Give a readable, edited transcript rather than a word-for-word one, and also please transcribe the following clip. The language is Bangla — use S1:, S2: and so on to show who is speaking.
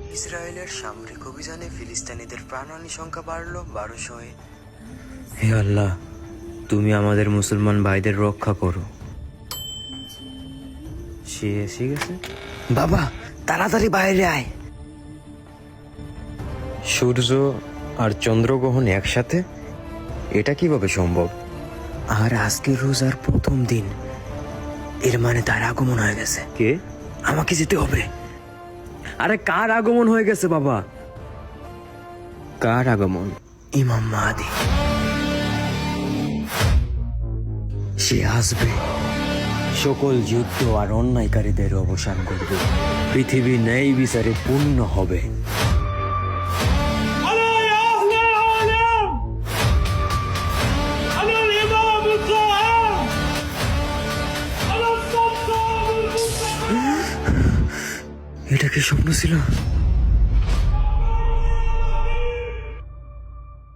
S1: ইসরায়েলের সামরিক অভিযানে ফিলিস্তিনিদের প্রাণহানি সংখ্যা বাড়ল 1200-এ।
S2: হে আল্লাহ, তুমি আমাদের মুসলমান ভাইদের রক্ষা করো। সে এসে গেছে।
S1: বাবা, তাড়াতাড়ি বাইরে আয়।
S2: সূর্য আর চন্দ্রগ্রহণ একসাথে, এটা কিভাবে সম্ভব?
S1: আর আজকে রোজার প্রথম দিন, এর মানে তার আগমন হয়ে গেছে।
S2: কে?
S1: আমাকে যেতে হবে।
S2: আরে কার আগমন হয়ে গেছে বাবা? কার আগমন?
S1: ইমাম মাহদী। সে আসবে,
S2: সকল যুদ্ধ আর অন্যায়কারীদের অবসান করবে, পৃথিবী ন্যায় বিচারে পূর্ণ হবে।
S3: أنا يا أهل العالم، أنا الإمام القائم، أنا السلطان المنتقم।
S1: এটা কি স্বপ্ন ছিল?